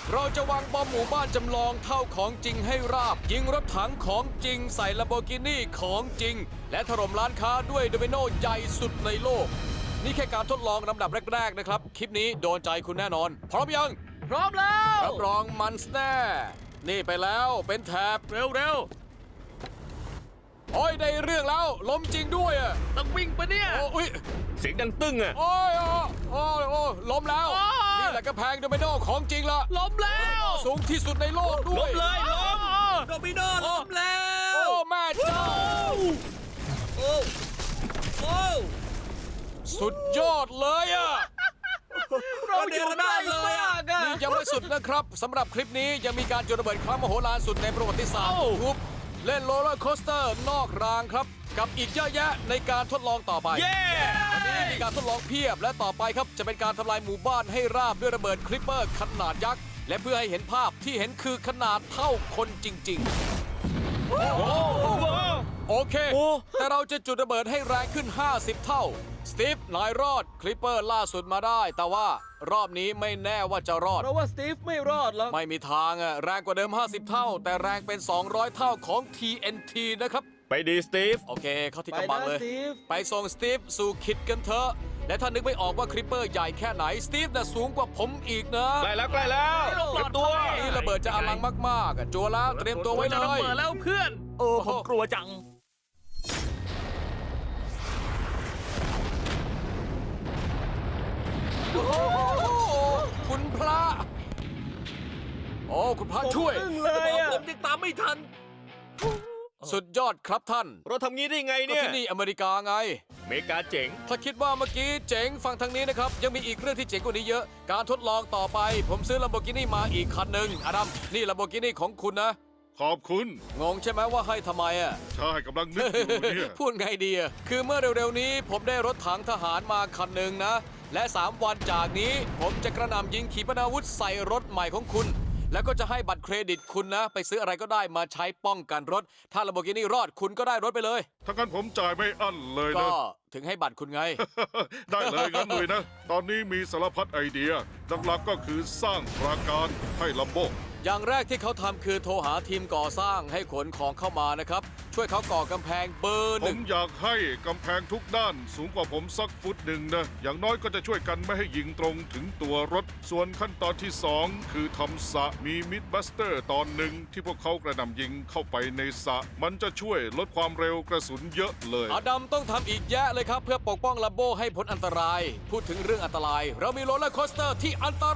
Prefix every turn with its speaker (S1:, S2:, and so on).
S1: เราจะวางบอมหมู่บ้านจำลองเท่าของจริงให้ราบ ยิงรถถังของจริงใส่ลัมโบกินี่ของจริง และถล่มร้านค้าด้วยโดมิโนใหญ่สุดในโลก นี่แค่การทดลองลำดับแรกๆนะครับ คลิปนี้โดนใจคุณแน่นอน พร้อมยัง
S2: พร้อมแล้ว
S1: รับรองมันแน่นี่ไปแล้วเป็นแถบ
S2: เร็ว
S1: โอ้ยได้เรื่องแล้วล้มจริงด้วยอ่ะ
S2: ๆต้องวิ่งปะเนี่ย
S1: โอ้ย
S3: เสียงดังตึ้งอ่ะ
S1: โอ้ยโอ้ยล้มแล้ว
S2: โอ้ย
S1: นี่แหละกระแพงโดมิโนของจริงละ
S2: ล้มแล้ว
S1: สูงที่สุดในโลกด้วย
S3: ล้มโดมิโนล้มแล้ว
S1: โอ้แม่เจ้า
S3: โอ้โอ้
S1: สุดยอดเลยอ่ะ
S2: เราอยู่ได้เลยอ่ะ
S1: นี่ยังไม่สุดนะครับสำหรับคลิปนี้ยังมีการจุดระเบิดครั้งมโหฬารสุดในประวัติศาสตร์ทุบเล่นโรลเลอร์โคสเตอร์นอกรางครับ กับอีกเยอะแยะในการทดลองต่อไป
S3: เย้
S1: วันนี้มีการทดลองเพียบและต่อไปครับจะเป็นการทำลายหมู่บ้านให้ราบด้วยระเบิดคลิปเปอร์ขนาดยักษ์และเพื่อให้เห็นภาพที่เห็นคือขนาดเท่าคนจริง ๆ โอเค แต่เราจะจุดระเบิดให้แรงขึ้น 50 เท่า สตีฟนายรอด คลิปเปอร์ล่าสุดมาได้ แต่ว่ารอบนี้ไม่แน่ว่าจะรอด
S2: เพราะว่าสตีฟไม่รอดหรอก
S1: ไม่มีทางอะแรงกว่าเดิม 50 เท่า แต่แรงเป็น 200 เท่าของ TNT นะครับ
S3: ไปดีสตีฟ
S1: โอเค เข้าที่
S2: ไป
S1: กำบัง
S2: นะ
S1: เลย
S2: สตีฟ
S1: ไปส่งสตีฟสู่คิดกันเถอะ และถ้านึกไม่ออกว่าคลิปเปอร์ใหญ่แค่ไหน สตีฟน่ะสูงกว่าผมอีกนะ
S3: ใกล้แล้วเตรียมตัว
S1: นี่ระเบิดจะอลังมากๆอะจัวแล้วเตรียมตัวไว้เล
S2: จะระ
S1: ย
S2: เบิดแล้วเพื่อน
S3: ผมกลัวจัง
S1: โอ้โหคุณพระ โอ้คุณพระช่วย
S2: อึ้งเลยอ่ะ
S3: ผมยังตามไม่ทัน
S1: สุดยอดครับท่าน
S3: เราทำงี้ได้ไง
S1: ก็
S3: เนี่ย
S1: ที่นี่อเมริกาไง
S3: อเมริกาเจ๋ง
S1: ถ้าคิดว่าเมื่อกี้เจ๋งฟังทางนี้นะครับ ยังมีอีกเรื่องที่เจ๋งกว่านี้เยอะ การทดลองต่อไป ผมซื้อ Lamborghini มาอีกคันหนึ่งอดัมนี่ Lamborghini ของคุณนะ
S4: ขอบคุณ
S1: งงใช่ไหมว่าให้ทำไมอ่ะ
S4: ใช่กำลังนึกอยู่เนี่ย
S1: พูดไงดีอะคือเมื่อเร็วๆนี้ผมได้รถถังทหารมาคันหนึ่งนะ และ 3 วันจากนี้ ผมจะกระหน่ำยิงขีปนาวุธใส่รถใหม่ของคุณ แล้วก็จะให้บัตรเครดิตคุณนะ ไปซื้ออะไรก็ได้มาใช้ป้องกันรถ ถ้า Lamborghini รอดคุณก็ได้รถไปเลย
S4: ถ้างั้นผมจ่ายไม่อั้นเลย
S1: ก็
S4: นะ
S1: ถึงให้บัตรคุณไง
S4: ได้เลยงั้นเลยนะ ตอนนี้มีสารพัดไอเดียหลักๆก็คือสร้างปราการให้ลัมโบ
S1: อย่างแรกที่เขาทำคือโทรหาทีมก่อสร้างให้ขนของเข้ามานะครับ ช่วยเขาก่อกำแพงเบอร์
S4: ผ
S1: หนึ่
S4: ม
S1: ง
S4: อยากให้กำแพงทุกด้านสูงกว่าผมสักฟุตหนึ่งนะ อย่างน้อยก็จะช่วยกันไม่ให้ยิงตรงถึงตัวรถ ส่วนขั้นตอนที่ 2 คือทำสระมีมิดบัสเตอร์ตอนหนึ่งที่พวกเขากระหน่ำยิงเข้าไปในสระมันจะช่วยลดความเร็วกระสุนเยอะเลย
S1: อดัมต้องทำอีกแยะเลยครับ เพื่อปกป้องลัมโบให้พ้นอันตราย พูดถึงเรื่องอันตราย เรามีโรลเลอร์โคสเตอร์ที่อันตราย